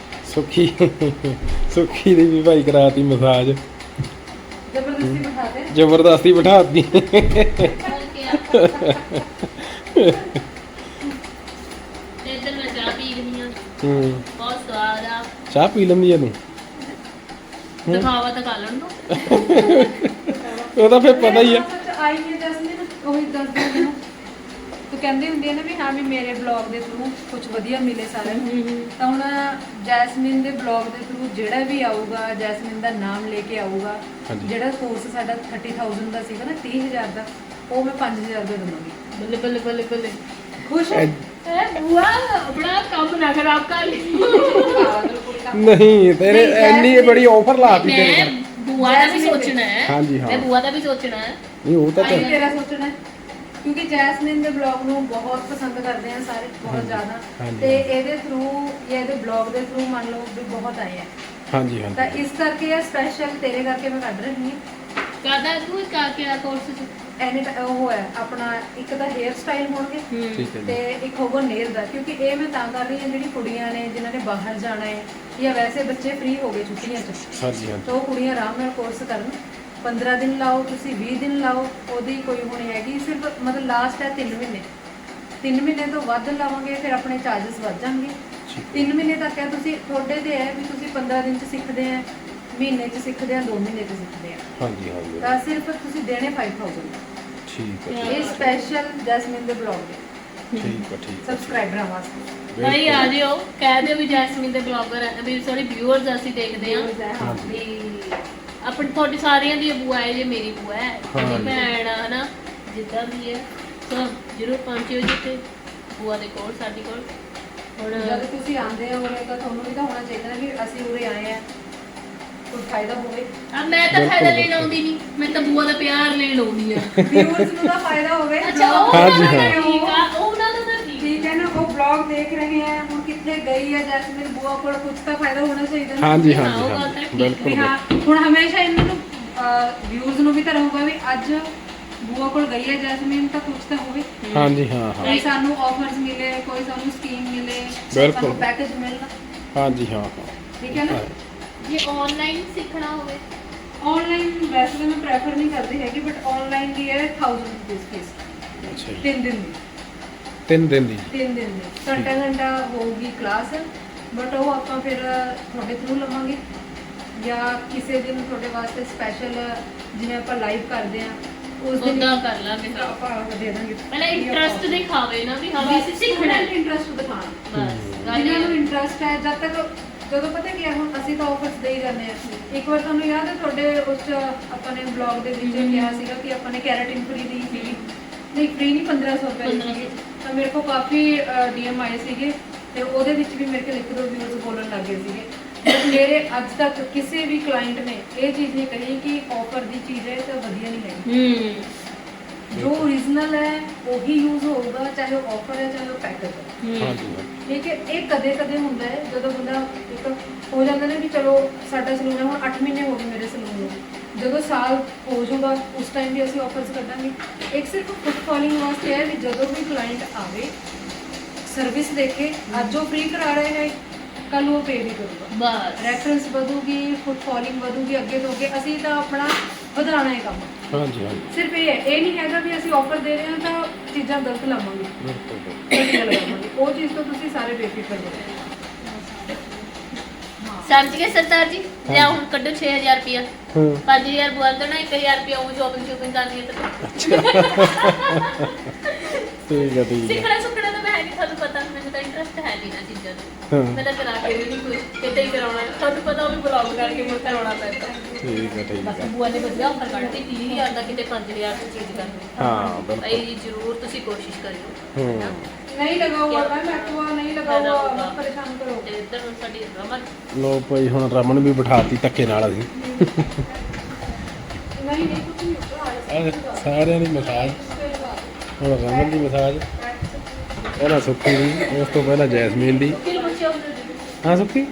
Speaker 2: ਸੁੱਖੀ ਦੀ ਵੀ ਭਾਈ ਕਰਾਤੀ ਮਸਾਜ
Speaker 3: ਜ਼ਬਰਦਸਤੀ ਬਿਠਾ ਦੇ
Speaker 2: ਜ਼ਬਰਦਸਤੀ ਬਿਠਾਤੀ
Speaker 1: ਇੱਧਰ ਮੈਂ ਚਾਹ ਪੀ ਰਹੀ ਹਾਂ ਬਹੁਤ ਸਵਾਦ ਆ
Speaker 2: ਚਾਹ ਪੀ ਲੈਂਦੀ ਆ ਤੂੰ
Speaker 1: ਦਿਖਾਵਾ ਤਾਂ ਕਰ ਲੈਣ ਦੋ
Speaker 2: ਉਹਦਾ ਫਿਰ ਪਤਾ ਹੀ ਆ
Speaker 3: ਆਈ ਹੈ ਜਸਮੀਨ ਉਹੀ ਦੱਸਦੀ ਮੈਨੂੰ ਤੂੰ ਕਹਿੰਦੀ ਹੁੰਦੀ ਹੈ ਨਾ ਵੀ ਹਾਂ ਵੀ ਮੇਰੇ ਬਲੌਗ ਦੇ ਥਰੂ ਕੁਝ ਵਧੀਆ ਮਿਲੇ ਸਾਰਿਆਂ ਨੂੰ ਤਾਂ ਹੁਣ ਜੈਸਮੀਨ ਦੇ ਬਲੌਗ ਦੇ ਥਰੂ ਜਿਹੜਾ ਵੀ ਆਊਗਾ ਜੈਸਮੀਨ ਦਾ ਨਾਮ ਲੈ ਕੇ ਆਊਗਾ
Speaker 2: ਹਾਂਜੀ।
Speaker 3: ਜਿਹੜਾ ਕੋਰਸ ਸਾਡਾ 30000 ਦਾ ਸੀਗਾ ਨਾ 30000 ਦਾ ਉਹ ਮੈਂ 5000 ਦਾ ਦਵਾਂਗੀ
Speaker 1: ਬੱਲੇ ਬੱਲੇ ਬੱਲੇ ਬੱਲੇ
Speaker 3: ਖੁਸ਼ ਹੈ
Speaker 1: ਬੁਆ ਆਪਣਾ ਕੰਮ ਨਾ ਖਰਾਬ ਕਰ ਲਈ
Speaker 2: ਨਹੀਂ ਤੇਰੇ ਇੰਨੀ ਬੜੀ ਆਫਰ ਲਾਤੀ ਤੇਰੇ
Speaker 1: ਮੈਂ ਬੁਆ ਦਾ ਵੀ ਸੋਚਣਾ ਹੈ
Speaker 2: ਹਾਂਜੀ, ਹਾਂ।
Speaker 1: ਮੈਂ ਬੁਆ ਦਾ ਵੀ ਸੋਚਣਾ ਹੈ
Speaker 2: ਨਹੀਂ ਉਹ ਤਾਂ
Speaker 3: ਆਈ ਤੇਰਾ ਸੋਚਣਾ ਹੈ ਕਿਉਂਕਿ ਜੈਸਮੀਨ ਦੇ ਬਲੌਗ ਨੂੰ ਬਹੁਤ ਪਸੰਦ ਕਰਦੇ ਆ ਸਾਰੇ ਬਹੁਤ ਜ਼ਿਆਦਾ
Speaker 2: ਹਾਂਜੀ।
Speaker 3: ਤੇ ਇਹਦੇ ਥਰੂ ਜਾਂ ਇਹਦੇ ਬਲੌਗ ਦੇ ਥਰੂ ਮੰਨ ਲਓ ਵੀ ਬਹੁਤ ਆਏ ਆ
Speaker 2: ਹਾਂਜੀ
Speaker 3: ਤਾਂ
Speaker 2: ਹਾਂਜੀ
Speaker 3: ਇਸ ਕਰਕੇ ਇਹ ਸਪੈਸ਼ਲ ਤੇਰੇ ਕਰਕੇ ਮੈਂ ਕੱਢ ਰਹੀ ਹਾਂ
Speaker 1: ਕਾਦਾ ਤੂੰ ਕਾ ਕੇ ਕੋਰਸ ਚ
Speaker 3: ਐਨੇ ਤਾਂ ਉਹ ਹੈ ਆਪਣਾ ਇੱਕ ਤਾਂ ਹੇਅਰ ਸਟਾਈਲ ਹੋਣਗੇ
Speaker 2: ਠੀਕ ਹੈ
Speaker 3: ਤੇ
Speaker 2: ਜੀ
Speaker 3: ਇੱਕ ਹੋਊਗਾ ਨੇਲ ਦਾ ਕਿਉਂਕਿ ਇਹ ਮੈਂ ਤਾਂ ਕਰ ਰਹੀ ਹਾਂ ਜਿਹੜੀ ਕੁੜੀਆਂ ਨੇ ਜਿਨ੍ਹਾਂ ਨੇ ਬਾਹਰ ਜਾਣਾ ਹੈ ਜਾਂ ਵੈਸੇ ਬੱਚੇ ਫ੍ਰੀ ਹੋ ਗਏ ਛੁੱਟੀਆਂ 'ਚ
Speaker 2: ਹਾਂਜੀ ਹਾਂਜੀ
Speaker 3: ਤਾਂ ਉਹ ਕੁੜੀਆਂ ਆਰਾਮ ਨਾਲ ਕੋਰਸ ਕਰਨ 15 ਦਿਨ ਲਾਓ ਤੁਸੀਂ 20 ਦਿਨ ਲਾਓ ਉਹਦੀ ਕੋਈ ਹੋਣੀ ਹੈਗੀ ਸਿਰਫ ਮਤਲਬ ਲਾਸਟ ਹੈ 3 ਮਹੀਨੇ 3 ਮਹੀਨੇ ਤੋਂ ਵੱਧ ਲਾਵਾਂਗੇ ਫਿਰ ਆਪਣੇ ਚਾਰजेस ਵੱਧ ਜਾਣਗੇ 3 ਮਹੀਨੇ ਤੱਕ ਹੈ ਤੁਸੀਂ ਤੁਹਾਡੇ ਤੇ ਹੈ ਵੀ ਤੁਸੀਂ 15 ਦਿਨ 'ਚ ਸਿੱਖਦੇ ਆ ਮਹੀਨੇ 'ਚ ਸਿੱਖਦੇ ਆ 2 ਮਹੀਨੇ 'ਚ ਸਿੱਖਦੇ ਆ
Speaker 2: ਹਾਂਜੀ ਹਾਂਜੀ
Speaker 3: ਤਾਂ ਸਿਰਫ ਤੁਸੀਂ ਦੇਣੇ 5000
Speaker 2: ਠੀਕ ਹੈ
Speaker 3: ਇਹ ਸਪੈਸ਼ਲ ਜੈਸਮੀਨ ਦੇ ਬਲੌਗ ਦੇ
Speaker 2: ਠੀਕ ਹੈ ਠੀਕ ਹੈ
Speaker 3: ਸਬਸਕ੍ਰਾਈਬਰਾਂ ਵਾਸਤੇ
Speaker 1: ਭਾਈ ਆ ਜਿਓ ਕਹਿ ਦਿਓ ਵੀ ਜੈਸਮੀਨ ਦੇ ਬਲੌਗਰ ਵੀ ਸੋਰੀ ਵਿਊਅਰਸ ਅਸੀਂ ਦੇਖਦੇ ਆ
Speaker 3: ਹਾਂ
Speaker 1: ਵੀ ਆਪਣੀ ਤੁਹਾਡੀ ਸਾਰਿਆਂ ਦੀ ਬੂਆ ਹੈ ਜੇ ਮੇਰੀ ਬੂਆ ਹੈ ਮੇਰੀ ਭੈਣ ਆ ਹਨਾ ਜਿੱਦਾਂ ਵੀ ਹੈ ਸੋ ਜਰੂਰ ਪਹੁੰਚਿਓ ਜਿੱਥੇ ਬੂਆ ਦੇ ਕੋਲ ਸਾਡੀ ਕੋਲ ਹੁਣ
Speaker 3: ਜਦ ਤੁਸੀਂ ਆਉਂਦੇ ਹੋ ਉਰੇ ਤਾਂ ਤੁਹਾਨੂੰ ਵੀ ਤਾਂ ਹੋਣਾ ਚਾਹੀਦਾ ਨਾ ਵੀ ਅਸੀਂ ਉਰੇ ਆਏ ਆ ਕੋਈ ਫਾਇਦਾ ਹੋਵੇ
Speaker 1: ਆ ਮੈਂ ਤਾਂ ਫਾਇਦਾ ਲੈਣ ਆਉਂਦੀ ਨਹੀਂ ਮੈਂ ਤਾਂ ਬੂਆ ਦਾ ਪਿਆਰ ਲੈਣ ਆਉਂਦੀ ਆ
Speaker 3: ਵਿਊਅਰਸ ਨੂੰ ਤਾਂ ਫਾਇਦਾ ਹੋਵੇ
Speaker 1: ਅੱਛਾ ਉਹ
Speaker 2: ਹਾਂਜੀ,
Speaker 1: ਉਹਨਾਂ ਦਾ
Speaker 2: ਹਾਂ।
Speaker 1: ਠੀਕ ਆ ਉਹ ਉਹਨਾਂ ਦਾ ਤਾਂ ਠੀਕ
Speaker 3: ਠੀਕ ਹੈ ਨਾ ਉਹ ਬਲੌਗ ਦੇਖ ਰਹੇ ਆ ਹੁਣ ਕਿੱਥੇ ਗਈ ਹੈ ਜੈਸਮੀਨ ਬੂਆ ਕੋਲ ਕੁਝ ਤਾਂ ਫਾਇਦਾ ਹੋਣਾ ਚਾਹੀਦਾ ਨਾ
Speaker 2: ਹਾਂਜੀ
Speaker 1: ਹਾਂ,
Speaker 2: ਹਾਂਜੀ
Speaker 1: ਉਹ ਗੱਲ
Speaker 2: ਹਾਂਜੀ
Speaker 1: ਤਾਂ ਠੀਕ
Speaker 2: ਬਿਲਕੁਲ
Speaker 3: ਵੀ ਹਾਂ ਹੁਣ ਹਮੇਸ਼ਾ ਇਹਨਾਂ ਨੂੰ ਵਿਊਜ਼ ਨੂੰ ਵੀ ਤਾਂ ਰਹੂਗਾ ਵੀ ਅੱਜ ਬੂਆ ਕੋਲ ਗਈ ਹੈ ਜੈਸਮੀਨ ਤਾਂ ਕੁਝ ਤਾਂ ਹੋਵੇ
Speaker 2: ਹਾਂਜੀ ਹਾਂ ਹਾਂ
Speaker 3: ਕੋਈ ਸਾਨੂੰ ਆਫਰਸ ਮਿਲੇ ਕੋਈ ਸਾਨੂੰ ਸਕੀਮ ਮਿਲੇ
Speaker 2: ਬਿਲਕੁਲ।
Speaker 3: ਸਾਨੂੰ ਪੈਕੇਜ ਮਿਲਣਾ
Speaker 2: ਹਾਂਜੀ ਹਾਂ ਹਾਂ
Speaker 3: ਠੀਕ ਹੈ ਨਾ
Speaker 1: ਜੇ ਆਨਲਾਈਨ ਸਿੱਖਣਾ ਹੋਵੇ
Speaker 3: ਆਨਲਾਈਨ ਵੈਸੇ ਤਾਂ ਮੈਂ ਪ੍ਰੈਫਰ ਨਹੀਂ ਕਰਦੀ ਹੈਗੀ ਬਟ ਆਨਲਾਈਨ ਦੀ ਹੈ 1000 ਰੁਪਏ ਫੀਸ
Speaker 2: ਅੱਛਾ ਜੀ
Speaker 3: 3 ਦਿਨ ਦੀ
Speaker 2: 3 ਦਿਨ ਦੀ
Speaker 3: 3 ਦਿਨ ਦੀ ਘੰਟਾ ਹੋਊਗੀ ਕਲਾਸ ਬਟ ਉਹ ਆਪਾਂ ਫਿਰ ਤੁਹਾਡੇ ਥਰੂ ਲਵਾਂਗੇ ਜਾਂ ਕਿਸੇ ਦਿਨ ਤੁਹਾਡੇ ਵਾਸਤੇ ਸਪੈਸ਼ਲ ਜਿਵੇਂ ਆਪਾਂ ਲਾਈਵ ਕਰਦੇ ਆ ਉਸ ਦਿਨ
Speaker 1: ਉਦਾਂ ਕਰ ਲਾਂਗੇ ਹਾਂ।
Speaker 3: ਆਪਾਂ ਦੇ ਦਾਂਗੇ
Speaker 1: ਪਹਿਲਾਂ ਇੰਟਰਸਟ ਦਿਖਾਵੇ ਨਾ ਵੀ ਹਾਂ ਵੀ ਅਸੀਂ ਸਿੱਖਣਾ ਹੈ
Speaker 3: ਇੰਟਰਸਟ ਦਿਖਾਣਾ
Speaker 1: ਬਸ ਗੱਲ
Speaker 3: ਜਿਨ੍ਹਾਂ
Speaker 1: ਇਹ
Speaker 3: ਨੂੰ
Speaker 1: ਹੈ।
Speaker 3: ਇੰਟਰਸਟ ਹੈ ਜਦ ਤੱਕ ਜਦੋਂ ਪਤਾ ਕੀ ਹੈ ਹੁਣ ਅਸੀਂ ਤਾਂ ਆਫਰਸ ਦੇ ਹੀ ਜਾਂਦੇ ਆ ਇੱਕ ਵਾਰ ਤੁਹਾਨੂੰ ਯਾਦ ਹੈ ਤੁਹਾਡੇ ਉਸ 'ਚ ਆਪਾਂ ਨੇ ਬਲੌਗ ਦੇ ਵਿੱਚ ਕਿਹਾ ਸੀਗਾ ਕਿ ਆਪਾਂ ਨੇ ਕੈਰਾਟਿਨ ਫ੍ਰੀ ਦੀ ਸੀਗੀ ਨਹੀਂ ਫ੍ਰੀ ਨਹੀਂ 1500 ਰੁਪਏ ਦੀ ਸੀਗੀ ਤਾਂ ਮੇਰੇ ਕੋਲ ਕਾਫੀ ਡੀਐਮ ਆਏ ਸੀਗੇ ਤੇ ਉਹਦੇ ਵਿੱਚ ਵੀ ਮੇਰੇ ਕੋਲ ਇੱਕ ਦੋ ਵਿਊਜ਼ ਬੋਲਣ ਲੱਗ ਗਏ ਸੀਗੇ ਬਟ ਮੇਰੇ ਅੱਜ ਤੱਕ ਕਿਸੇ ਵੀ ਕਲਾਇੰਟ ਨੇ ਇਹ ਚੀਜ਼ ਨਹੀਂ ਕਹੀ ਕਿ ਆਫਰ ਦੀ ਚੀਜ਼ ਹੈ ਤਾਂ ਵਧੀਆ ਨਹੀਂ ਹੈਗੀ ਜੋ ਓਰੀਜਨਲ ਹੈ ਉਹੀ ਯੂਜ਼ ਹੋਊਗਾ ਚਾਹੇ ਉਹ ਆਫਰ ਹੈ ਚਾਹੇ ਉਹ ਪੈਕੇਜ ਹੈ
Speaker 2: ਹਾਂਜੀ ਹਾਂਜੀ
Speaker 3: ਠੀਕ ਹੈ ਇਹ ਕਦੇ ਕਦੇ ਹੁੰਦਾ ਹੈ ਜਦੋਂ ਬੰਦਾ ਇੱਕ ਹੋ ਜਾਂਦਾ ਨਾ ਵੀ ਚਲੋ ਸਾਡਾ ਸਲੂਨ ਹੈ ਹੁਣ 8 ਮਹੀਨੇ ਹੋ ਗਏ ਮੇਰੇ ਸਲੂਨ ਨੂੰ ਜਦੋਂ ਸਾਲ ਹੋ ਜਾਊਗਾ ਉਸ ਟਾਈਮ ਵੀ ਅਸੀਂ ਆਫਰਸ ਕੱਢਾਂਗੇ ਇੱਕ ਸਿਰਫ ਫੁੱਟਫਾਲਿੰਗ ਵਾਸਤੇ ਹੈ ਵੀ ਜਦੋਂ ਵੀ ਕਲਾਇੰਟ ਆਵੇ ਸਰਵਿਸ ਦੇਖੇ ਅੱਜ ਉਹ ਫ੍ਰੀ ਕਰਾ ਰਹੇ ਹੈ ਕੱਲ ਉਹ ਪੇ ਵੀ ਕਰੂਗਾ
Speaker 1: ਬਸ
Speaker 3: ਰੈਫਰੈਂਸ ਵਧੂਗੀ ਫੁੱਟਫਾਲਿੰਗ ਵਧੂਗੀ ਅੱਗੇ ਤੋਂ ਅੱਗੇ ਅਸੀਂ ਤਾਂ ਆਪਣਾ ਵਧਾਉਣਾ ਹੈ ਕੰਮ
Speaker 2: ਹਾਂਜੀ ਹਾਂਜੀ
Speaker 3: ਸਿਰਫ ਇਹ ਨਹੀਂ ਹੈਗਾ ਵੀ ਅਸੀਂ ਆਫਰ ਦੇ ਰਹੇ ਹਾਂ ਤਾਂ ਚੀਜ਼ਾਂ ਗਲਤ ਲਾਵਾਂਗੇ
Speaker 2: ਬਿਲਕੁਲ
Speaker 3: ਵਧੀਆ ਲਗਾਵਾਂਗੇ ਉਹ ਚੀਜ਼ ਤੋਂ ਤੁਸੀਂ ਸਾਰੇ ਬੇਫਿਕਰ ਰਹੋ
Speaker 1: ਸਮਝ ਗਏ ਸਰਦਾਰ ਜੀ ਲਿਆ ਹੁਣ ਕੱਢੋ 6000 ਰੁਪਿਆ
Speaker 2: ਹਾਂ
Speaker 1: 5000 ਬੁਆ ਦੇਣਾ 1000 ਰੁਪਿਆ ਉਹ ਸ਼ੋਪਿੰਗ ਕਰਨੀ ਹੈ ਤਾਂ
Speaker 2: ਠੀਕ ਹੈ ਠੀਕ ਹੈ
Speaker 1: ਸਿੱਖਣਾ ਸੁੱਖਣਾ ਤਾਂ ਮੈਂ ਹੈ ਨਹੀਂ ਤੁਹਾਨੂੰ ਪਤਾ ਮੈਨੂੰ ਤਾਂ ਇੰਟਰਸਟ ਹੈ ਨਹੀਂ ਨਾ ਚੀਜ਼ਾਂ ਦਾ
Speaker 2: ਹਾਂ
Speaker 1: ਮੈਂ ਤਾਂ ਕਰਾ ਕੇ ਵੀ ਨਹੀਂ ਕੁਝ ਕਿਤੇ ਹੀ ਕਰਾਉਣਾ ਤੁਹਾਨੂੰ ਪਤਾ ਉਹ ਵੀ ਬਲੌਗ ਕਰਕੇ ਮੁੜ ਕਰਾਉਣਾ ਪੈਂਦਾ
Speaker 2: ਠੀਕ ਹੈ ਠੀਕ
Speaker 1: ਬਸ
Speaker 2: ਹੈ
Speaker 1: ਬੁਆ ਨੇ ਵਧੀਆ ਆਫਰ ਕੱਢਤੀ 30000 ਦਾ ਕਿਤੇ 5000 ਦੀ ਚੀਜ਼ ਕਰਨੀ
Speaker 2: ਹਾਂ ਬਿਲਕੁਲ
Speaker 1: ਭਾਈ ਜ਼ਰੂਰ ਤੁਸੀਂ ਕੋਸ਼ਿਸ਼ ਕਰਿਓ
Speaker 2: ਹਾਂ
Speaker 3: नहीं लगा हुआ मैम एक्वा नहीं लगा हुआ मत परेशान करो
Speaker 1: ਤੇ ਇੱਧਰ ਹੁਣ ਸਾਡੀ ਰਮਨ
Speaker 2: ਲੋ ਭਾਈ ਹੁਣ ਰਮਨ ਵੀ ਬਿਠਾਤੀ ਧੱਕੇ ਨਾਲ ਅਸੀਂ
Speaker 3: ਨਹੀਂ ਨਹੀਂ ਕੁਝ ਨਹੀਂ ਹੋਗਾ।
Speaker 2: ਸਾਰਿਆਂ ਦੀ ਮਸਾਜ ਹੁਣ ਰਮਨ ਦੀ ਮਸਾਜ ਪਹਿਲਾਂ ਸੁੱਖੀ ਦੀ ਉਸ ਤੋਂ ਪਹਿਲਾਂ ਜੈਸਮੀਨ ਦੀ ਹਾਂ ਸੁੱਖੀ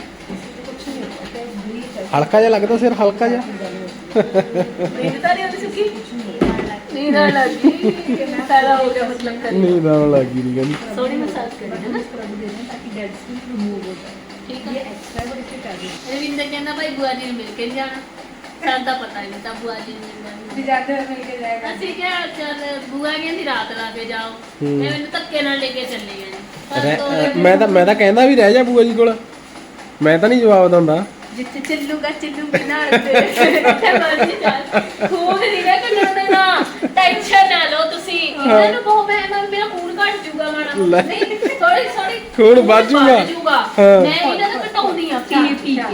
Speaker 2: ਹਲਕਾ ਜਿਹਾ ਲੱਗਦਾ ਸਿਰ ਹਲਕਾ ਜਿਹਾ
Speaker 1: ਨੀਂਦ ਤਾਂ ਨਹੀਂ ਆਉਂਦੀ ਸੁੱਕੀ ਨੀਂਦ ਆਉਣ ਲੱਗ ਗਈ ਫਾਇਦਾ ਹੋ ਗਿਆ ਮਤਲਬ ਕਰ
Speaker 2: ਨੀਂਦ ਆਉਣ ਲੱਗੀ ਨਹੀਂ ਕਹਿੰਦੀ
Speaker 1: ਸੋਹਣੀ ਮਸਾਜ ਕਰੀ ਹੈ ਨਾ
Speaker 3: ताकि डेड स्किन रिमूव हो जाए।
Speaker 1: ਠੀਕ ਹੈ
Speaker 3: ये एक्स्ट्रा बेनिफिट आ गया।
Speaker 1: ਰਵਿੰਦਰ ਕਹਿੰਦਾ ਭਾਈ ਬੁਆ ਜੀ ਨੂੰ ਮਿਲ ਕੇ ਨੀ ਜਾਣਾ ਸਾਨੂੰ ਤਾਂ ਪਤਾ ਨਹੀਂ ਤਾਂ ਬੁਆ ਜੀ ਨੂੰ ਮਿਲਣਾ
Speaker 3: भी जाते हुए मिल के जाएगा।
Speaker 1: ਅਸੀਂ ਕਿਹਾ ਚੱਲ ਬੁਆ ਕਹਿੰਦੀ ਰਾਤ ਲਾ ਕੇ ਜਾਓ ਮੈਂ ਮੈਨੂੰ ਧੱਕੇ ਨਾਲ ਲੈ ਕੇ ਚੱਲੇ ਗਏ ਨੇ ਪਰ ਦੋ
Speaker 2: ਮੈਂ ਤਾਂ ਕਹਿੰਦਾ ਵੀ ਰਹਿ ਜਾ ਬੂਆ ਜੀ ਕੋਲ ਮੈਂ ਤਾਂ ਨਹੀਂ ਜਵਾਬ ਦਿੰਦਾ
Speaker 1: ਜਿੱਥੇ ਚੱਲੂਗਾ ਨਾਲ ਤੇ ਕਿੱਥੇ ਮਰਜ਼ੀ ਚੱਲ ਖੂਨ ਨਹੀਂ ਮੈਂ ਕੱਢਣਾ ਨਾ ਟੈਨਸ਼ਨ ਨਾ ਲਓ ਤੁਸੀਂ ਇਹਨਾਂ ਨੂੰ ਬਹੁਤ ਮੈਂ ਮੇਰਾ ਖੂਨ ਘਟ ਜਾਊਗਾ ਮਾੜਾ ਨਹੀਂ ਥੋੜੀ
Speaker 2: ਖੂਨ ਵੱਧ ਜਾਊਗਾ। ਹਾਂ।
Speaker 1: ਮੈਂ ਇਹਨਾਂ ਦਾ ਘਟਾਉਂਦੀ ਆ ਪੀ ਕੇ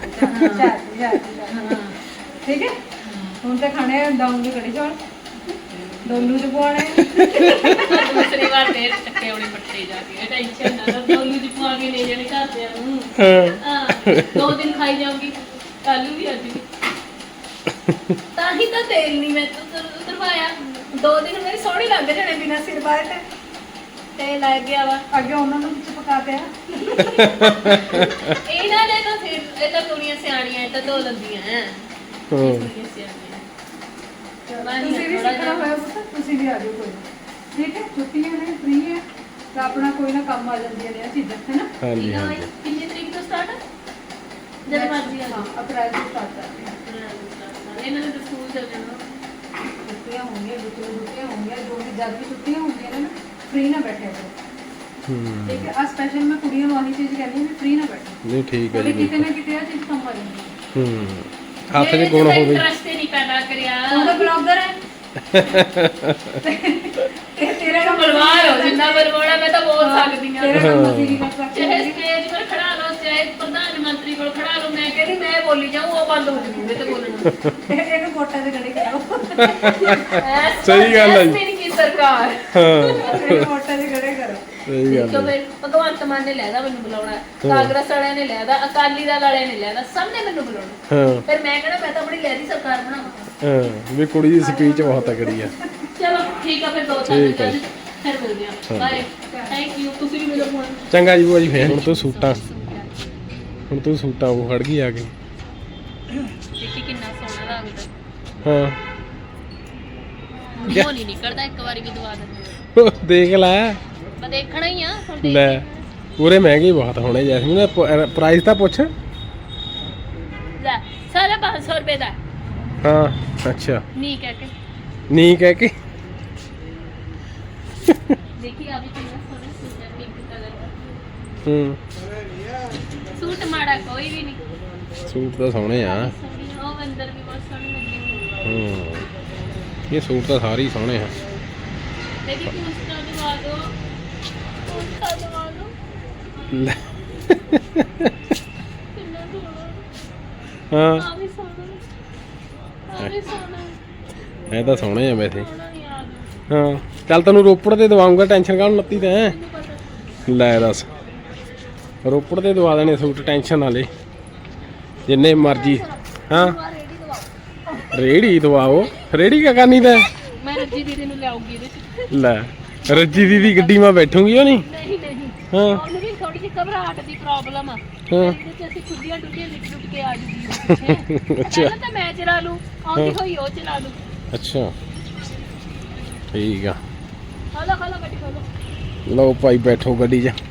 Speaker 3: ठीक है ਹੁਣ ਤਾਂ ਖਾਣੇ ਦਊਂਗੀ ਕੜੀ ਚੌਲ ਡੋਲੂ ਚ ਪਵਾਣੇ
Speaker 1: ਦੂਸਰੀ ਵਾਰ ਫੇਰ ਚੱਕੇ ਆਉਣੇ ਪੱਟੇ ਜਾ ਕੇ ਟੈਨਸ਼ਨ ਨਾ ਲਓ ਡੋਲੂ ਦੀ ਪਵਾ ਕੇ ਲੈ ਜਾਣੇ ਘਰਦਿਆਂ ਨੂੰ ਹਾਂ 2 ਦਿਨ ਖਾਈ ਜਾਊਂਗੀ ਕੱਲੂ ਵੀ ਅੱਜ ਵੀ ਤਾਂ ਹੀ ਤਾਂ ਤੇਲ ਨਹੀਂ ਮੈਂ ਉਤਰਵਾਇਆ 2 ਦਿਨ ਮੇਰੇ ਸੋਹਣੇ ਲੱਗ ਜਾਣੇ ਬਿਨਾ ਸਿਰ ਬਾਹਰ ਤੇ ਤੇਲ ਲੱਗ ਗਿਆ ਵਾ
Speaker 3: ਅੱਗੇ ਉਹਨਾਂ ਨੂੰ ਵਿੱਚ ਪਕਾ ਪਿਆ
Speaker 1: ਇਹਨਾਂ ਨੇ ਤਾਂ ਫਿਰ ਇਹ ਤਾਂ ਕੁੜੀਆਂ ਸਿਆਣੀਆਂ ਇਹ ਤਾਂ ਧੋ ਲੈਂਦੀਆਂ ਹੈ ਕੁੜੀਆਂ ਸਿਆਣੀਆਂ
Speaker 3: ਤੁਸੀਂ ਵੀ ਸਿੱਖਣਾ ਹੋਇਆ ਪੁੱਤ ਤੁਸੀਂ ਵੀ ਆ ਜਾਓ ਕੋਈ ਨਾ। ਠੀਕ ਹੈ ਛੁੱਟੀਆਂ ਨੇ ਫ੍ਰੀ ਹੈ ਤਾਂ ਆਪਣਾ ਕੋਈ ਨਾ ਕੰਮ ਆ ਜਾਂਦੀਆਂ ਨੇ ਇਹ ਚੀਜ਼ਾਂ ਹੈ ਨਾ।
Speaker 2: ਹਾਂਜੀ ਹਾਂਜੀ
Speaker 1: ਕਿੰਨੀ ਤਰੀਕ ਤੋਂ ਸਟਾਰਟ ਜਦ ਮਰਜ਼ੀ ਆ
Speaker 3: ਹਾਂ ਅਪ੍ਰੈਲ ਤੋਂ ਸਟਾਰਟ ਕਰਦੇ ਹਾਂ।
Speaker 1: ਇਹਨਾਂ ਨੇ ਤਾਂ ਸਕੂਲ ਚੱਲ ਜਾਣਾ
Speaker 3: ਛੁੱਟੀਆਂ ਹੋਣਗੀਆਂ ਬੱਚੇ ਨੂੰ ਛੁੱਟੀਆਂ ਹੋਣਗੀਆਂ ਜੋ ਵੀ ਜਦ ਵੀ ਛੁੱਟੀਆਂ ਹੁੰਦੀਆਂ ਨੇ ਨਾ ਫ੍ਰੀ ਨਾ ਬੈਠਿਆ ਕਰੋ। ਠੀਕ ਹੈ ਆ ਸਪੈਸ਼ਲ ਮੈਂ ਕੁੜੀਆਂ ਨੂੰ ਆਹੀ ਚੀਜ਼ ਕਹਿੰਦੀ ਹਾਂ ਵੀ ਫ੍ਰੀ ਨਾ ਬੈਠੋ
Speaker 2: ਨਹੀਂ ਠੀਕ ਹੈ
Speaker 3: ਕਿਉਂਕਿ
Speaker 2: ਜੀ
Speaker 3: ਕਿਤੇ ਨਾ ਕਿਤੇ ਆ ਚੀਜ਼ ਕੰਮ ਆ ਜਾਂਦੀ ਹੈ।
Speaker 2: ਹੱਥ 'ਚ ਗੁਣ ਹੋਵੇ
Speaker 1: ਇੰਟਰਸਟ ਨਹੀਂ ਪੈਦਾ ਕਰਿਆ
Speaker 3: ਉਹਦਾ ਬਲੌਗਰ ਹੈ ਇਹ ਤੇਰਾ ਕੰਮ
Speaker 1: ਬਲਵਾਰ ਹੋ ਜਿੰਨਾ ਬਲਵਾਣਾ ਮੈਂ ਤਾਂ ਬੋਲ ਸਕਦੀ ਹਾਂ
Speaker 3: ਤੇਰਾ ਕੰਮ ਅਸੀਂ ਨਹੀਂ ਕਰ
Speaker 1: ਚਾਹੇ
Speaker 3: ਸਕਦੇ
Speaker 1: ਸਟੇਜ 'ਤੇ ਖੜਾ ਲਓ ਚਾਹੇ ਪ੍ਰਧਾਨ ਮੰਤਰੀ ਕੋਲ ਖੜਾ ਲਓ ਮੈਂ ਕਹਿੰਦੀ ਮੈਂ ਬੋਲੀ ਜਾਊਂ ਉਹ ਬੰਦ ਹੋ ਜੂਗੇ ਤੇ ਬੋਲਣਾ
Speaker 3: ਇਹਨੂੰ ਵੋਟਾਂ ਦੇ ਗੜੇ ਕਰਾਓ
Speaker 2: ਸਹੀ ਗੱਲ ਹੈ ਜੀ।
Speaker 1: ਮੇਰੀ ਕੀ ਸਰਕਾਰ
Speaker 3: ਇਹਨੂੰ ਵੋਟਾਂ ਦੇ ਗੜੇ ਕਰੋ
Speaker 2: ਸਹੀ ਗੱਲ
Speaker 1: ਕਿਉਂ ਫਿਰ ਭਗਵੰਤ ਮਾਨ ਨੇ ਲੈਦਾ ਮੈਨੂੰ ਬੁਲਾਉਣਾ ਕਾਂਗਰਸ ਵਾਲਿਆਂ ਨੇ ਲੈਦਾ ਅਕਾਲੀ ਦਲ ਵਾਲਿਆਂ ਨੇ ਲੈਦਾ ਸਭ ਨੇ ਮੈਨੂੰ ਬੁਲਾਉਣਾ
Speaker 2: ਹਾਂ
Speaker 1: ਫਿਰ ਮੈਂ ਕਹਿੰਦਾ ਮੈਂ ਤਾਂ ਆਪਣੀ ਲੈਦੀ ਸਰਕਾਰ ਬਣਾਵਾਂ
Speaker 2: ਹਾਂ ਵੀ ਕੁੜੀ ਦੀ ਸਪੀਚ ਬਹੁਤ ਤਕੜੀ ਆ
Speaker 1: ਚਲੋ ਠੀਕ ਆ ਫਿਰ 2
Speaker 2: ਠੀਕ ਹੈ
Speaker 1: ਸਾਲ ਫਿਰ ਮਿਲਦੇ ਆ ਬਾਏ ਥੈਂਕ ਯੂ ਤੁਸੀਂ ਵੀ ਮਿਲੋ ਫੋਨ
Speaker 2: ਚੰਗਾ ਜੀ ਬੂਆ ਜੀ ਫੇਰ ਹੁਣ ਤੂੰ ਸੂਟਾਂ ਉਹ ਖੜ ਗਈ ਆ ਕੇ
Speaker 1: ਦੇਖੀ ਕਿੰਨਾ ਸੋਹਣਾ ਲੱਗਦਾ
Speaker 2: ਹਾਂ
Speaker 1: ਮੂੰਹ ਨਹੀਂ ਨਿਕਲਦਾ ਇੱਕ ਵਾਰੀ ਵੀ ਦਵਾ ਦਿੰਦੇ
Speaker 2: ਉਹ ਦੇਖ ਲੈ
Speaker 1: ਮੈਂ ਦੇਖਣਾ ਹੀ ਆ ਹੁਣ ਦੇਖ
Speaker 2: ਲੈ ਪੂਰੇ ਮਹਿੰਗੇ ਬਹੁਤ ਹੋਣੇ ਜੈਸਮੀਨ ਪ੍ਰਾਈਸ ਤਾਂ ਪੁੱਛ
Speaker 1: ਲੈ ਸਾਰਾ 500 ਰੁਪਏ ਦਾ
Speaker 2: ਹਾਂ ਅੱਛਾ
Speaker 1: ਨਹੀਂ ਕਹਿ ਕੇ
Speaker 2: ਨਹੀਂ ਕਹਿ ਕੇ
Speaker 1: ਦੇਖੀ ਆ ਵੀ ਕਿੰਨਾ ਸੋਹਣਾ ਸੂਟ ਹੈ ਪਿੰਕ ਕਲਰ ਦਾ ਸੂਟ ਮਾੜਾ ਕੋਈ ਵੀ ਨਹੀਂ
Speaker 2: ਸੂਟ ਤਾਂ ਸੋਹਣੇ ਆ
Speaker 1: ਸੋਹਣੀ ਉਹ ਅੰਦਰ ਵੀ ਬਹੁਤ ਸੋਹਣੀ ਲੱਗੀ
Speaker 2: ਇਹ ਸੂਟ ਤਾਂ ਸਾਰੇ ਹੀ ਸੋਹਣੇ ਆ
Speaker 1: ਦੇਖੀ ਕੁਸਤਾ ਦਵਾ ਦੋ ਕੁਸਤਾ ਦਵਾ ਦੋ
Speaker 2: ਲੈ
Speaker 1: ਕਿੰਨਾ ਸੋਹਣਾ
Speaker 2: ਹਾਂ
Speaker 1: ਆ ਵੀ ਸੋਹਣਾ ਆ ਵੀ ਸੋਹਣਾ
Speaker 2: ਇਹ ਤਾਂ ਸੋਹਣੇ ਆ ਵੈਸੇ
Speaker 1: ਸੋਹਣਾ ਯਾਦ
Speaker 2: ਹਾਂ ਚੱਲ ਤੈਨੂੰ ਰੋਪੜ ਤੇ ਦਵਾਉਂਗਾ ਟੈਨਸ਼ਨ ਕਾਹਨੂੰ ਲੱਤੀ ਤੈਂ
Speaker 1: ਮੈਨੂੰ ਪਤਾ
Speaker 2: ਲੈ ਦੱਸ ਰੋਪੜ ਤੇ ਦਵਾ ਦੇਣੇ ਸੂਟ ਟੈਨਸ਼ਨ ਨਾ ਲੈ ਜਿੰਨੇ ਮਰਜੀ ਹਾਂ
Speaker 1: ਆ ਰੇਡੀ ਦਵਾਓ
Speaker 2: ਰੇੜੀ ਦਵਾਓ ਰੇੜੀ ਕਾ ਕਰਨੀ ਤੈਂ
Speaker 1: ਮੈਂ ਰੱਜੀ ਦੀਦੀ ਨੂੰ ਲਿਆਉਗੀ ਇਹਦੇ ਚ
Speaker 2: ਲੈ ਰੱਜੀ ਦੀਦੀ ਗੱਡੀ ਮੈਂ ਬੈਠੂਗੀ ਉਹ ਨਹੀਂ
Speaker 1: ਨਹੀਂ ਨਹੀਂ
Speaker 2: ਹਾਂ
Speaker 1: ਉਹਨੂੰ ਵੀ ਥੋੜੀ ਜਿਹੀ ਘਬਰਾਹਟ ਦੀ ਪ੍ਰੋਬਲਮ ਆ
Speaker 2: ਹਾਂ
Speaker 1: ਇਹਦੇ ਚ ਅਸੀਂ ਖੁੱਡੀਆਂ ਡੁੱਡੀਆਂ ਲਿਟ ਲੁੱਟ ਕੇ ਆ ਜੂਗੀ
Speaker 2: ਅੱਛਾ
Speaker 1: ਪਹਿਲਾਂ ਤਾਂ ਮੈਂ ਚਲਾ ਲੂ ਆਉਂਦੀ ਹੋਈ ਉਹ ਚਲਾ ਲੂ
Speaker 2: ਅੱਛਾ ਠੀਕ ਆ
Speaker 1: ਖੋਲੋ ਗੱਡੀ ਖੋਲੋ
Speaker 2: ਲਓ ਭਾਈ ਬੈਠੋ ਗੱਡੀ 'ਚ